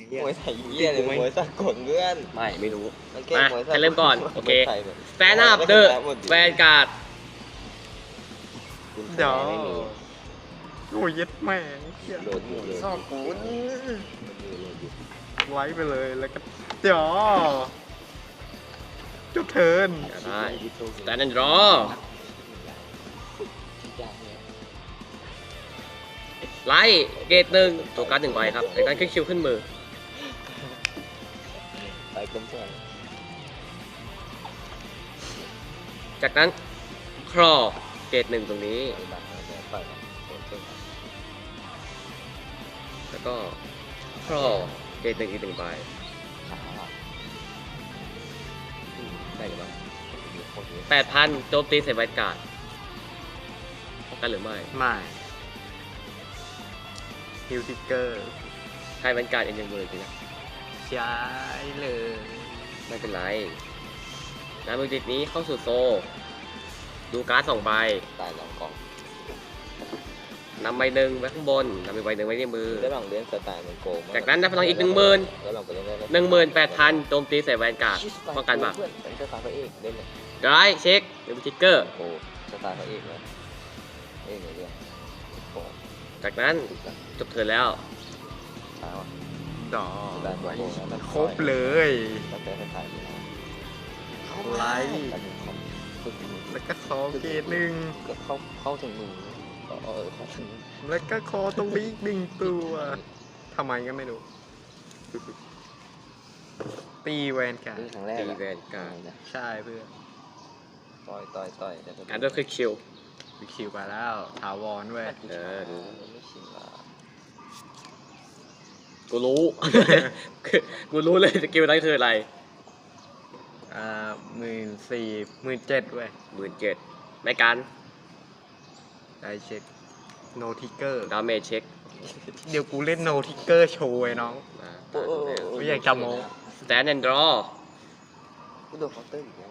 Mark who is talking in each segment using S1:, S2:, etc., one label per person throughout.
S1: มวยไทยเยี่ยเลยมวยสากลเพื่อน
S2: ไม่รู้
S1: มันแค่
S2: มา
S1: วยสากล
S2: จะเริ่มก่อนโอเค
S1: มวยไทยแบบ
S2: Stand up the Vanguard
S1: คุณ
S3: เดี๋ยว
S1: ไม่มี
S3: โอ้ยเย็ดแม่เหี้ย
S1: โดนอยู่เลย
S3: ซอกกู
S1: โดนอยู่
S3: ไว้ไปเลยแล้วก็เดี๋ยวจุดเทิร์น
S2: ได้ Stand and draw ไล่เกตหนึ่งตัวการ์ดหนึ่งใบครับในการขึ้นคิวขึ้นมือ
S1: ไปกลมส่วน
S2: จากนั้นครอเกตหนึ่งตรงนี้
S1: ไปบัตรเนี่ยไปกลมส่วน
S2: แล้วก็ครอเกตหนึ่งอีกหนึ่งใบ
S1: ขาอ่ะ
S2: ได้หรือเปล่า
S1: มีคนเยอะ
S2: 8,000 โจมตีใส่แวนการ์ดป้องกันหรือไม่
S3: ไม่ฮิวติกเกอร์
S2: ใช้แวนการ์ดเองยังมือจริงนะ
S3: ใช้เลย
S2: ไม่เป็นไรน้ำมือติดนี้เข้าสู่โซ ดูการ์ด2ใบ
S1: ตายหลังกล่อง
S2: นำใบหนึ่งไว้ข้างบนนำอีกใบหนึ่งไว้ในมือ
S1: ได้ลองเล่นสไตล์มันโกง
S2: จากนั้นได้พลังอีก 10,000
S1: แล้วลองไปเล่นได้ไหม
S2: 18,000 โจมตีใส่แวนการ์ดป้องกันปะ
S1: เพื่อนเป็นสไตล์พระเอกเล่นเลย
S2: ได้เช็คเป็นทิกเกอร์
S1: โอ้สไตล์พระเอกเลยเอ้ยเรื่องโอ้
S2: จากนั้นจบเทิร์นแล้ว
S1: เช้า
S3: ดอ
S1: สไตล์โกงแล้ว
S3: ครบเลย
S1: ตั้งแต่สไตล์นี้นะ
S3: ไลท์
S1: แต่ถึงเขาฝึกมือ
S3: แล้วก็คอเกตหนึ่ง
S1: ก็เข้าถึงมือเข้าถึง
S3: แล้วก็คอตรงนี้อีกหนึ่งตัวทำไมก็ไม่รู้ ตีแวนกัน
S1: นี่ครั้งแรก
S2: ตีแวนการ์ด
S3: ใช่เพื่อน
S1: ต่อย
S2: การด้วยคือคิว
S3: วิคิวไปแล้วถาวรเว้ย
S1: ไม่ชินละ
S2: กูรู้ กูรู้เลยสกิลนั้นคืออะไร
S3: 14,000 17,000เว้ย
S2: 17,000ไม่กัน
S3: ได้เช็คโนทิกเกอร์
S2: ดาเมจเช็ค
S3: เดี๋ยวกูเล่นโนทิกเกอร์โชว์ไอ้น้อง ไม่อยากจำโม้
S2: สแตนแอนด์ดรอ
S1: กูโดนเคาน์เตอร์อีกแล้ว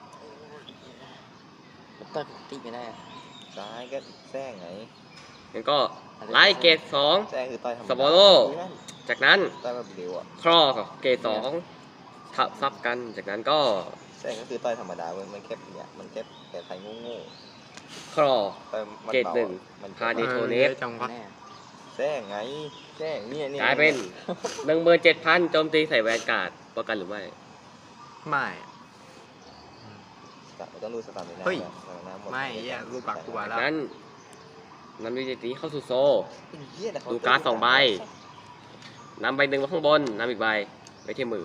S1: ต่อยปกติไม่ได้ซ้ายก็แซงไง
S2: งั้นก็ไลท์เกต2
S1: แซงคือต่อยธรรมดา
S2: สปอโร่ จากนั้น
S1: ต่อยแบบเร็วอ่ะ
S2: ครอกับเกต2ทับซับกัน จากนั้นก็
S1: แซงก็คือต่อยธรรมดาเว้ยมันแค่เนี่ยมันแค่แต่ไทยโง่
S2: ครอ
S1: ๆต่อยมัน
S2: เกรด
S1: เบา
S2: หนึ่ง
S1: มัน
S2: พาดิ โทเนส
S3: จังวะ
S1: แน่แซงไงแซงเนี่ย
S2: กลายเป็น 17,000 โจมตีใส่แวนการ์ดป้องกันหรือไม่
S3: ไม่
S1: เราต้องดูสตาร์ท
S3: เฮ้ย ไม่อย่ารูปปากกู
S2: จาก
S3: แล้ว
S2: นั้นนำดีเจตีเข้าสู่โซ
S1: ดู
S2: ดูการ์ด2ใบ นำใบหนึ่งไว้ข้างบน นำอีกใบไว้ที่มือ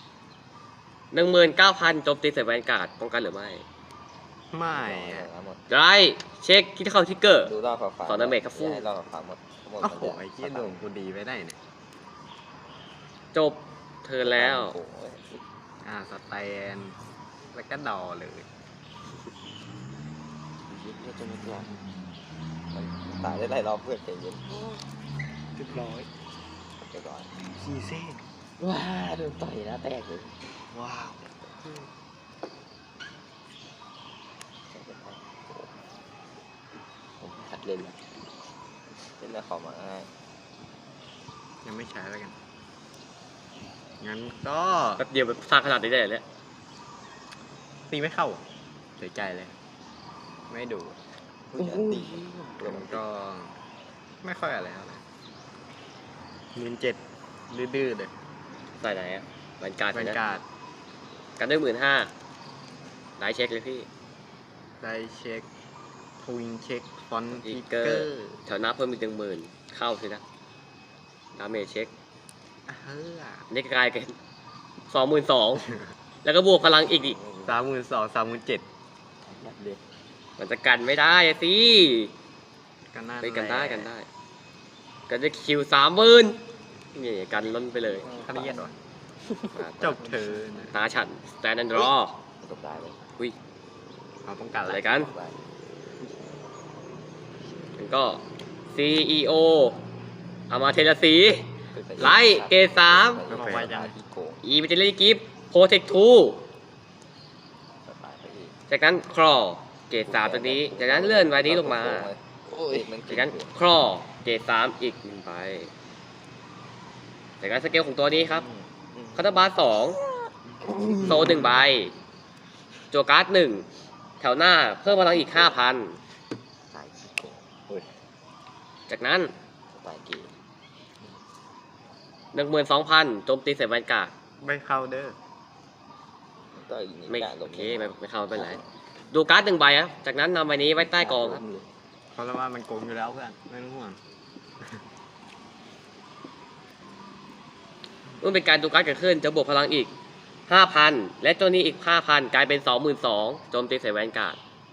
S2: 19,000 โจมตีใส่แวนการ์ดป้องกันหรือไม่
S3: ไม่อะ
S2: ได้เช็คที่เข้าทิกเกอร์
S1: ดูรอบฟ้า
S2: สอนดาเมจครับฟู่
S1: ให้รอบฟ้าหมด
S3: โอ้โหไอ้เหี้ยโดนกูดีไปได้เนี่ย
S2: จบเธอแล้ว
S3: สแตนแล้วก็ดอเลย
S1: จนไม่กลัวมันตายได้หลายรอบเพื่อนใจเย็น
S3: เรียบร้อย
S1: เรียบร้อย
S3: ซีเซ่
S1: ว้าโดนต่อยนะแตกเลย
S3: ว้าว
S1: ผมหัดเล่นแล้วเล่นแล้วขอมาง่าย
S3: ยังไม่ใช้แล้วกัน งั้นก็
S2: แป๊บเดียวไปสร้างขนาดนี้ได้เลย
S3: ตีไม่เข้าเสียใจเลย ไม่ดู
S1: ผู้ชายตีลง
S3: ก็ไม่ค่อยอะไรเท่าไหร่17,000ดื้อๆเลย
S2: ใส่ไหนอะแวนการ์ด
S3: บรร
S2: นะ
S3: ยากาศ
S2: กันด้วย15,000ได้เช็คเลยพี่
S3: ได้เช็คทวิงเช็คฟอนต์
S2: ทิ
S3: ทิ
S2: ก
S3: ก
S2: เก
S3: เก
S2: อ
S3: อ
S2: ร์
S3: ร์
S2: แถวหน้าเพิ่มอีก10,000เข้าสินะดาเมจเช็ค
S3: เฮ้ย
S2: นี่กลายเป็น22,000แล้วก็บวกพลังอีก
S3: 32,000 37,000
S1: ยัดเลย
S2: มันจะกันไม่ได้อะสิ
S3: ก็นั่น
S2: ไปกันได้
S3: แหละ
S2: กันได้กันจะคิว30,000นี่กันล้นไปเลย
S3: เครียดว่ะจบเธอนะ
S2: ตาฉันสแตนด์รอ
S1: ตกได้เลย
S2: อุ้ย
S3: เราต้องการ
S2: อะ
S3: อะไรไร
S2: กัน
S1: ตกได้
S2: มันก็ CEO เอามาเทลสีไลท์เกต3
S1: ไม่ไปยังที่โกง
S2: อีเมจิเนอรี่กิฟต์โปรเทค2
S1: สไตล์ไปอีก
S2: จากนั้นครอเกต3ตัวนี้จากนั้นเลื่อนใบนี้ลงมา
S1: โอ้ยมัน
S2: จากนั้นครอเกต3อีก1ใบจากการสเกลของตัวนี้ครับ
S1: อืม
S2: คาตาบาร์2โซหนึ่งใบโจการ์ด1แถวหน้าเพิ่มพลังอีก 5,000
S1: สายขี้โกงเฮ้ย
S2: จากนั้น
S1: สายเกย์
S2: 12,000 โจมตีใส่แวนการ์ด
S3: ไม่เข้าเด้อ
S1: ก็อีกนิด
S2: ไม่
S1: กะล
S2: โอง เคไม่เข้าไม่เป็นไรดูการ์ด1ใบครับจากนั้นนำใบนี้ไว้ใต้กองครับ
S3: เพราะว่ามันโกงอยู่แล้วเพื่อนไม่ต้องห่วง
S2: เมื่อเป็นการดูการ์ดเกิดขึ้นจะบวกพลังอีก 5,000 และตัวนี้อีก 5,000 กลายเป็น 22,000 โจมตีใส่แวนการ์ด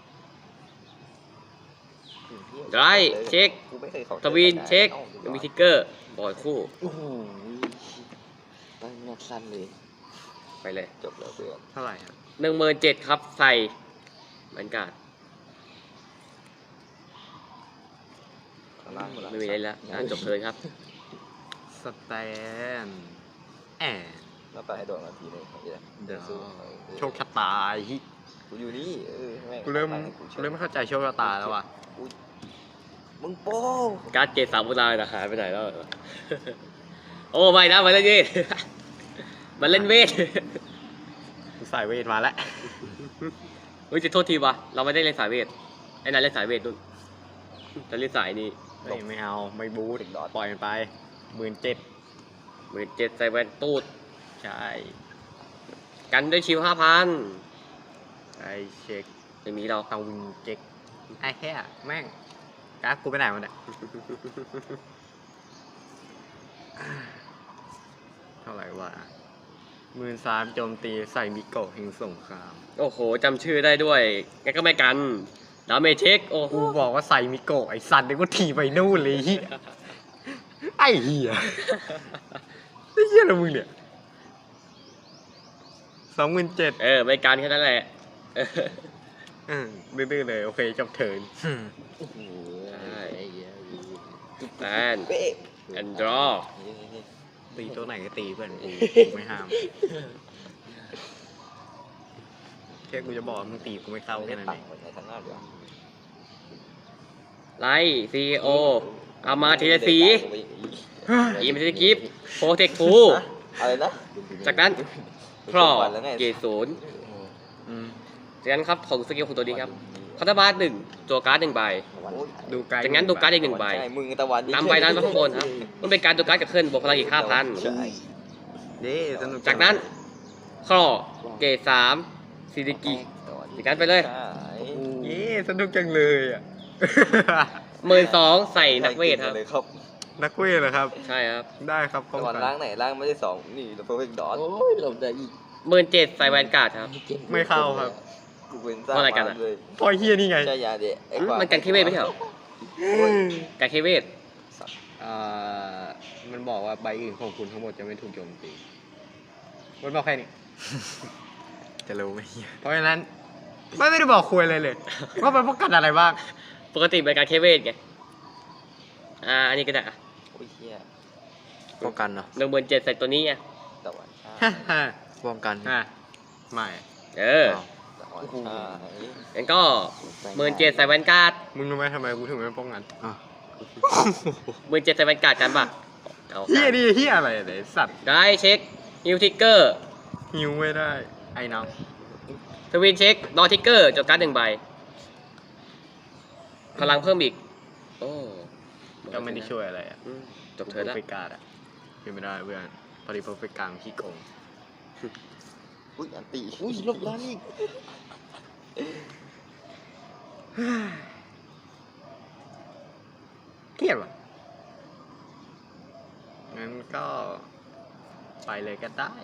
S2: ได้เช็ค
S1: กูไม่เคยเข้า
S2: ทวีนเช็ค
S1: อ้า
S2: มีทิกเกอร์บอยคู่
S1: โอ้โหตั้งแนบสั้นเลย
S2: ไปเลย
S1: จบแล้วเพื่อน
S3: เท่าไหร่ครับ
S2: 17,000 ครับใส่แวนการ์ด
S1: ข้างล่างหดละ
S2: ไม่มีอะไรแล้วจบเลยครับ
S3: สแตนแอน
S1: แล้วไปให้โดนนาทีหนึงเดี๋ยว
S3: เดี๋ยว
S1: สู้
S3: โชคชะตาไอ้ฮิ
S1: กูอยู่นี่แง
S3: กูเริ่ม
S1: ข้างหลังให้
S3: กูเริ่มไม่เข้าใจโชคชะตาแล้วว่ะ
S1: มึงโป้
S2: การ์ดเกรด3โบราณหายไปไหนแล้ว โอ้ไม่นะมาเล่นเวท มันเล่นเวท
S3: กูใส่เวทมาแล้ว
S2: เฮ้ยจะโทษทีวะเราไม่ได้เล่นสายเวทไอ้นายเล่นสายเวทนู่นจะเล่นสายนี้
S3: ไม่เอาไม่บูทปล่อยมันไป17,000
S2: 17,000ใส่แวนตูด
S3: ใช่
S2: กันด้วยชิว 5,000
S3: ไอเช็ค
S2: ไม่มีเรา
S3: ตาวินเจ็กไอ้แค่แม่งกราฟกูไปไหนมันเนี่ย เท่าไหร่วะ13,000โจมตีใส่มิโกะแห่งสงคราม
S2: โอ้โหจำชื่อได้ด้วยงั้นก็ไม่กันดาเมจเช็คโอ้โห
S3: กูบอกว่าใส่มิโกะไอ้สัตว์เดี๋ยวกูถีบไปนู่นเลยเหี้ยไอ้เหี้ยไอ้เหี้ยอะไรมึงเนี่ย27,000
S2: ไม่กันแค่นั้นแหละ
S3: ดื้อๆเลยโอเคจบเทิร์น
S1: โอ้โห
S2: ใช่
S1: ไอ้เหี้ย
S2: แอน
S1: เป๊ะ
S2: แอนดรอ
S3: ตีตัวไหนก็ตีเพื่อนกูไม่ห้ามแค่กูจะบอกว่ามึงตีกูไม่เข้าแค่นั้น
S1: ตั
S3: เอง
S1: งค์ไว้ในทางหน้าดีกว่า
S2: ไลท์ซีโออามาเทเลสีอีมเทเลกิฟโปรเทคทู
S1: อะไรนะ
S2: จากนั้นครอ
S1: วันแล้วไง
S2: เกรดศูนย์
S3: อืม
S2: จากนั้นครับของสกิลของตัวนี้ครับคาตาบาร์1ตัวการ์ด1ใบ
S1: โอ้ย
S3: ดูไกล
S2: จากนั้นดูการ์ดอีก1ใบ
S1: ใช่มึงตะวัน
S2: นำใบนั้นมาข้างบนครับมันเป็นการดูการ์ดเกิดขึ้นบวกพลังอีก
S1: ใช่
S3: เด้สนุก
S2: 5,000 จากนั้นครอเกรด3ซิริกิจากนั้นไปเลย
S1: ใช่
S3: เย้สนุกจังเลยอ่ะ
S2: 12,000ใส่นักเวทครับ
S1: เลยครับ
S3: นักเวทเหรอครับ
S2: ใช่ครับ
S3: ได้ครับป้อง
S1: ตะวัน
S3: กัน
S1: ล้างไหนล้างไม่ได้สองนี่เราเพิ่งดอท
S4: โอ้ยหลบได้อีก
S2: 17,000ใส่แวนการ์ดครับ
S3: ไม่เข้าครับ
S1: กูเป็นสร้าง
S2: ว่าอะไรกันอะ
S1: เลย
S3: พอเฮียนี่ไง
S1: ใช่ยาเด็กไอ้กวาง
S2: มันกันเคเวทไม่ใช่เหรอกันเคเวท
S3: อ่ามันบอกว่าใบอื่นของคุณทั้งหมดจะไม่ถูกโจมตีมันบอกแค่นี้ จะรู้ไหมเพราะฉะนั้นไม่ได้บอกคุยอะไรเลย ว่ามันป้องกันอะไรบ้าง
S2: ปกติเป็นการเคเวทไงอันนี้ก็ได้อะ
S1: โอ้ยเฮีย
S4: ป้องกันเนาะ
S2: 17,000ใส่ตัวนี้ไง
S1: ตะวันใช่
S4: ป้องกัน
S3: ไม่
S2: เออ
S1: ตะวันใช่
S2: งั้นก็17,000ใส่แวนการ์ด
S3: มึงรู้ไหมทำไมกูถึงไม่ป้องกัน
S4: อ่ะ
S2: 17,000ใส่แวนการ์ดกันป่ะเอา
S3: เฮียนี่เฮียอะไรเนี่ยไอ้สัตว์
S2: ได้เช็คฮิวทิกเกอร์
S3: หิวไม่ได้ ไอ้น้อง
S2: ทวินเช็คดอทิกเกอร์จดการ์ด1ใบพลังเพิ่มอีกโอ้
S3: ก็ไม่ได้ช่วยอะไรอ่ะ
S2: อืมจบเทิร์นแล้ว
S3: เพอร์เฟกการ์ดอ่ะช่วยไม่ได้เพื่อนพอดีเพอร์เฟกการ์ดขี้โกง
S1: อุ้ยอันตี
S4: อุ้ยหลบแล้วนี่
S3: เครียดว่ะงั้นก็ไปเลยก็ได้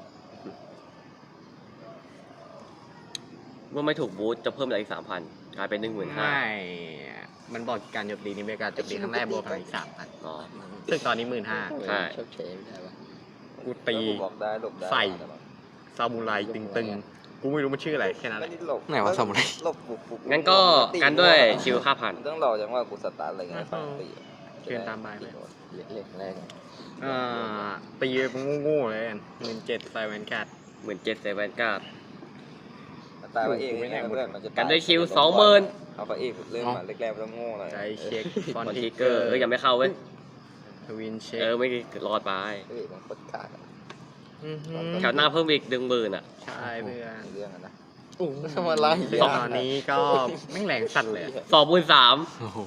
S2: เมื่อไม่ถูกบูทจะเพิ่มอะไรอีก 3,000กลายเป็น 15,000
S3: ไม่มันบอกการโจมตีนี่เป็นการโจมตีครั้งแรกบวกพลังอีก3,000
S2: อ๋อ
S3: ซึ่งตอนนี้ 15,000
S2: ใช่
S4: ชอบเฉยไม่ได้ปะ
S3: กูตี
S1: บอกได้หลบได้
S3: ใส่ ซามูไรตึงๆ กูไม่รู้มันชื่ออะไรแค่นั้นแห
S1: ไม่
S3: ละ
S1: ได้หลบ
S4: ไหนวะสมุไร
S1: หลบบุก
S2: งั้นก็กันด้วยชิว
S1: มันต้องรอจังว่ากูสตาร์ทอะไรเงี้ยฟังตี
S3: เชิญตามไปเลย
S4: เล็กแรก
S3: ตีโง่ๆเลย17,000ใส่แวนแคท
S2: 17,000ใส่แวนการ์ด
S1: ตายว่าเอง
S3: กูไม่แน่
S1: เพื่อนมันจะ
S2: กันด้วยคิว 20,000
S1: เอาไปเอกเริ่มมาแรกๆแล้วโง่หน่อย
S3: ใจเช็คฟอน
S2: คอน
S3: ทิ
S2: ทิ
S3: ก
S2: ก
S3: เก
S2: เก
S3: อ
S2: อ
S3: ร์
S2: ร์ยังไม่เข้าเว้ย
S3: ทวินเช็ค
S2: ไม่รอดไป
S1: เฮ้ยมันโคตรกากอะ
S3: อื้อหือ
S2: แถวหน้าเพิ่มอีก10,000อ่ะ
S3: ใช่เพื่อน
S1: มีเรื่องอะนะ
S3: โอ้โห
S1: ทำอะไร
S3: ตอนนี้ก็แม่งแรงสั่นเลยอะ
S2: 23,000
S4: โอ้โห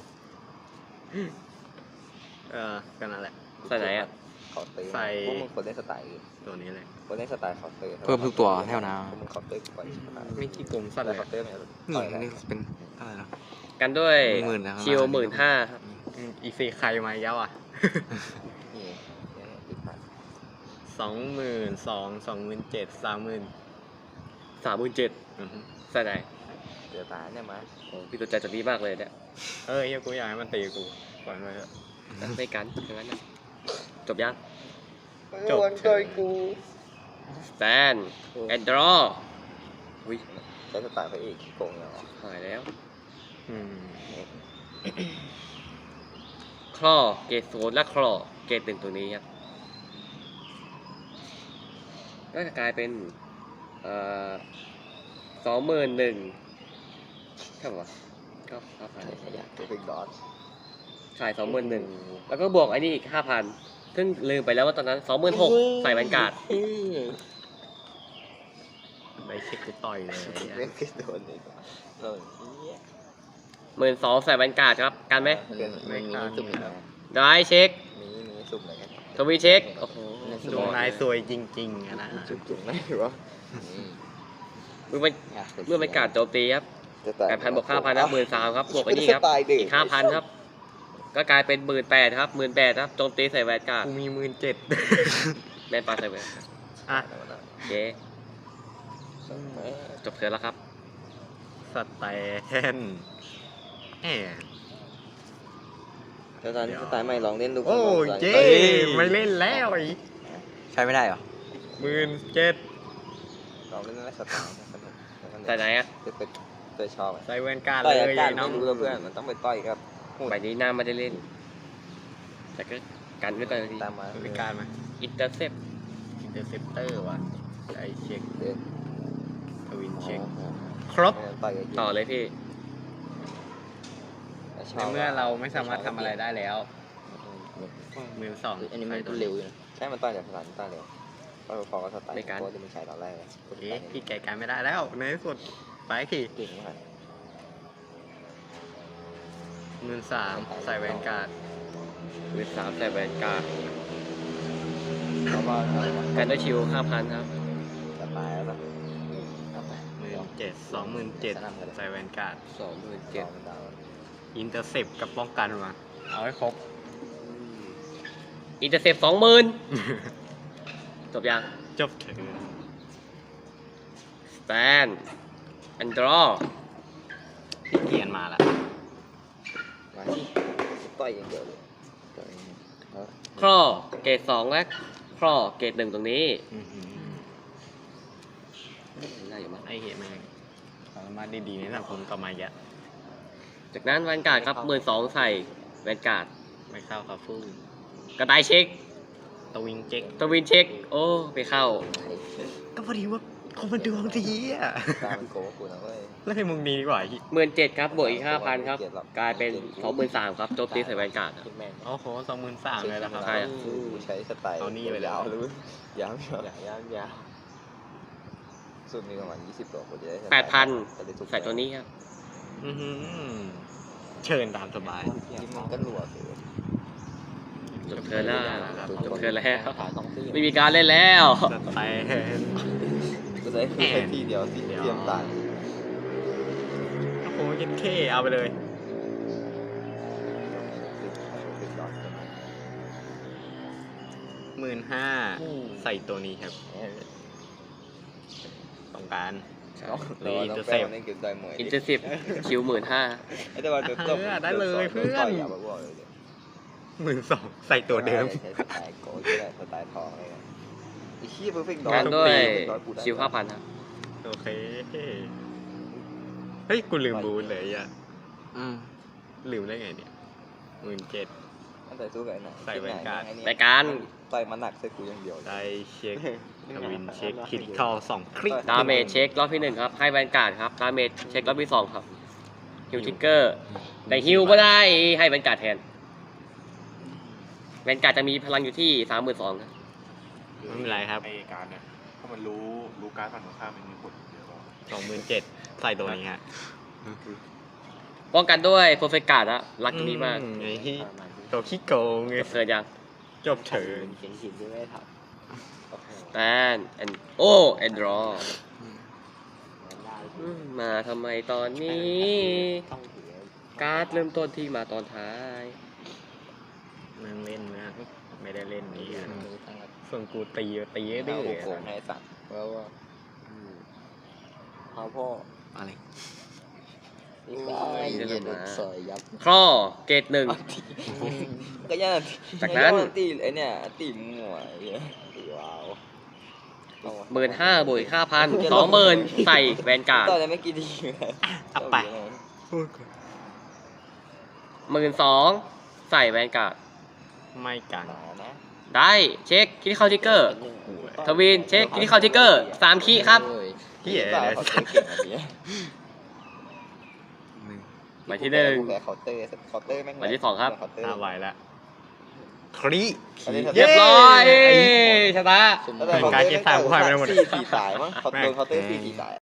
S3: ก็นั่นแหละ
S2: ใส่ไหนอะ
S1: เคาน์เตอร์
S3: ใส่
S1: พวกมึงคนเล่นสไตล์อื่น
S3: ตัวนี้เลย
S1: คนเล่นสไตล์เคาน์เตอร์
S4: เพิ่มทุกตัวเท่านะ
S1: พวกมึงเคาน์เตอร์กูไปชิบหาย
S3: ไม่ขี้โกงสั่น
S1: แต่
S3: เลย
S1: เคาน์เตอร์เนี่ย
S4: นี่
S1: ต่อยแล้ว
S4: นี่เป็นเท่าไหร่นะ
S2: กันด้วย
S4: 10,000นะข้างล่าง
S2: ชิว15,000ครับ
S3: อีซีใครมาเยอะอ่ะ
S1: นี่เนี่ยติดผ่าน
S3: 22,000 27,000 30,000
S2: 37,000ใส่ไหน
S1: เดี๋ยวตายเนี่ยมา
S2: โอ้พี่ตัวใจจะดีมากเลยเนี่ย
S3: เฮ้ยเหี้ยกูอยากให้มันตีกูปล่อยมันไปเถอะ
S2: ไม่กันอย่างนั้นนะจบยัง
S3: จบ
S1: วันเกยกู
S2: stand and draw อุ้ย
S1: ใช้สไตล์พระเอกขี้โกงเนี่ยเหรอ
S2: หายแล้ว
S3: อืม
S2: คลอเกรด0และคลอเกรด1ตัวนี้ครับก็จะกลายเป็น21,000เท่าไหร่วะก็
S1: ใช้ขยะตัวเป็นดอท
S2: 5,000ขาย21,000แล้วก็บวกไอ้นี่อีก 5,000ซึ่งลืมไปแล้วว่าตอนนั้น 26,000ใส่แวนการ์ด
S3: ไปเช็คกูต่อยเลย
S1: ไม่เคยโดนเลยเออเนี่ย
S2: 12,000ใส่แวนการ์ดครับกันไหม
S1: เกินไม่มีสุ่มอีกแล้ว
S2: ได้เช็ค
S1: มีสุ่มอะไรกัน
S2: ทวีเช็คโอ้โห
S3: ดวงนายสวยจริงๆอะนะ
S1: จุ่มไม่หรือวะ
S2: เมื่อแวนการ์ดโจมตีครับ 8,000บวก 5,000ครับ13,000ครับบวกไอ้นี่ครับอีก 5,000ครับก็กลายเป็น 18,000ครับ18,000ครับโจมตีใส่แวนการ์ด
S3: กูมี17,000
S2: แมนปลาใส่แวน
S3: อ่ะ
S2: โอเคจบเทิร์นแล้วครับ
S3: สแตนแหม
S1: แล้วตอนนี้สไตล์ใหม่ลองเล่นดู
S3: โอ้ยเจ๊ไม่เล่นแล้วไอ้
S4: ใช้ไม่ได้เหรอ
S3: 17,000
S1: ลองเล่นอะไรสไตล์สนุก
S2: ใส่ไหนอะ
S1: ตัวชอบอ่ะ
S3: ใส่แวนการ์ด
S1: ต่อย
S3: เล
S1: อาย กาศ
S3: น้
S1: ไม่
S3: อง
S1: รู้แล้วเพื่อนมันต้องไปต่อยกับ
S2: ใบนี้หน้าไม่ได้เล่น แต่ก็กันไว้ก่อนที
S1: ตามมา
S3: แวนการ์ดมา
S2: อินเตอร์เซป
S3: อินเตอร์เซปเตอร์ว่ะไอเช็ค
S1: เดิน
S3: ทวินเช็คครบ
S1: ต่อยกับ
S2: ต่อเลยพี่
S3: ในเมื่อเราไม่สามารถทำอะไรได้แล้ว12,000
S1: อันนี้มันเร็วอยู่นะใช่มันต่อยจากสถานต่อยเร็วก็พอก็สไตล์เพราะที่มันใช้ตอนแรก
S3: เอ๊ะพี่แก่การไม่ได้แล้วในที่สุดไปขี่
S1: เก่งมาก
S3: 13,000ใส่แวนการ์ด
S2: 13ใส่แวนการ์ด
S1: เพราะว่า
S2: กันด้วยชิว 5,000ครับ
S1: สไตล์แล้ว
S3: 27,000 ใส่แวนการ์ด
S2: 27,000
S3: อินเตอร์เซปกับป้องกันมาเอาให้ครบ
S2: อินเตอร์เซป20,000 จบยัง
S3: จบเถอะ
S2: stand and draw
S3: พี่เกียนมาละ
S1: มาที่ต่อยอย่างเดียวเลย
S2: คลอเกรด2และคลอเกรด1ตรงนี้
S3: อื้อหือ
S2: ได้อยู่มั้ง
S3: ไอเห็นไหมสามารถดีๆในสังคมต่อมาเยอะ
S2: จากนั้นแวนการ์ดครับ12,000ใส่แวนการ์ด
S3: ไม่เข้าครับฟู่
S2: กระต่ายเช็ค
S3: ตวิงเจ๊ก
S2: ตวินเช็ค โอ้ไปเข้า
S3: ก็พอดีว่าคนมันดวงดีอ่ะ
S1: ตามันโกงกูนะเว้ย
S3: แล้วให้มึงดีดีกว่า
S2: 17,000ครับ บวกอีก 5,000 ครับ กลายเป็น 23,000 ครับ โจมตีใส่แวนการ์ดครับ
S3: โอ้โห23,000เลยแล้วครับ
S2: ใช่อะ
S1: ใช้สไตล์
S3: เอานี่ไปแล้ว
S1: รู้ยาวยาวสุดมีประมาณ20ตัวกูจะได้
S2: 8,000 ใส่ตัวนี้ครับ
S3: อื้อหือเชิญตามสบาย
S1: ยิ้มมันก็รัวคือ
S2: จบเทิร์นแล้ว จบเทิร์นแล้ว
S1: ขาย2 ที่
S2: ไม่มีการเล่นแล้ว
S3: สแตน
S1: ก็ได้คือแค่ที่เดียวที่เทียมต่าง
S3: โอ้โหเย็นเคเอาไปเลย 15,000 ใส่ตัวนี้ครับต้องการ
S1: เลยอินเตอร์เซปนี่เก็บได้หมวย
S2: อินเตอร์เซปคิว 15,000
S1: แต่ว่า
S3: ได้เลยเพื่อน 12,000 ใส่ตัวเดิม
S1: ใช้สไตล์โกงก็ได้สไตล์ทองอะไรกันไอ้ขี้เพอร์เฟกต์
S2: งานด้วยชิว 5,000 ครับ
S3: โอเค เฮ้ย กูลืมบูนเลยอ่ะ ลืมได้ไงเนี่ย17,000
S1: ตั้งแต่สู้กับไอ้ไหน
S2: รายการ
S1: ต่อยมันหนักใส่กูอย่างเดียว
S3: ได้เช็คทวินเช็คคิดเข้า2คลิก
S2: ดาเมจเช็ครอบที่ 1 ครับ ให้แวนการ์ดครับ ดาเมจเช็ครอบที่ 2 ครับ ฮิวทิกเกอร์ แต่ฮิวก็ได้ให้แวนการ์ดแทนแวนการ์ดจะมีพลังอยู่ที่32,000ครับ
S3: ไม่เป็นไรครับ
S5: ไอการเนี่ยถ้ามันรู้การ์ดฝั่งตรงข้ามมันมีผลเยอะกว่า
S3: 27,000ใส่ตัวนี้ฮะ
S2: ป้องกันด้วยโปรเฟกการ์ดอะรักตัวนี้มาก
S3: ไอ้ที่ตัวขี้โกงไง
S2: เกิดยัง
S3: จบเถิน
S1: เขียนหินที่ไม่ได้ท
S2: แตนแอนโอ้แอนดรอ
S1: ำ
S2: มาทำไมตอนนี้
S1: ต้องเขียน
S2: การ์ดเริ่มต้นที่มาตอนท้าย
S3: มันเล่นนะไม่ได้เล่นนี่กันส่วนกูตีดื้อ
S1: โกงให้สัตว์แล้วว่าเอาพ่อ
S4: อะไร
S1: นี่ก็เย็นสอยยับ
S2: คลอเกตหนึ่ง
S1: ก็ยัง
S2: จากนั้น
S1: ตีไอเนี่ยตีมั่วไอ้เหี้ยตีว้าว
S2: 15,000บวก5,000 20,000ใส่แวนการ์ด
S1: ตอนนี้ไม่กี่ดีเลย
S3: เอาไป
S2: 12,000ใส่แวนการ์ด
S3: ไม่กัน
S1: หนานะ
S2: ได้เช็คคิดเข้าทิกเกอร์ทวีนเช็คคิดเข้าทิกเกอร์3คีครับ
S3: เฮีย
S1: เปล่า
S3: เลย
S1: เขาเก่งอันนี้
S2: หมายที่หนึ่ง
S1: แต่เคาน์เตอร์แม่ง
S2: หมายที่สองครับ
S1: เคาน์เตอร์
S3: น่าไหวแล้วคลี
S2: เรียบร้อยชนะ
S1: แล้วแต่เคาน์เตอร์
S3: การเก็บสามกูหายไปหมด
S1: 4 4 สายมั้งเขาโดนเคาน์เตอร์4 4 สาย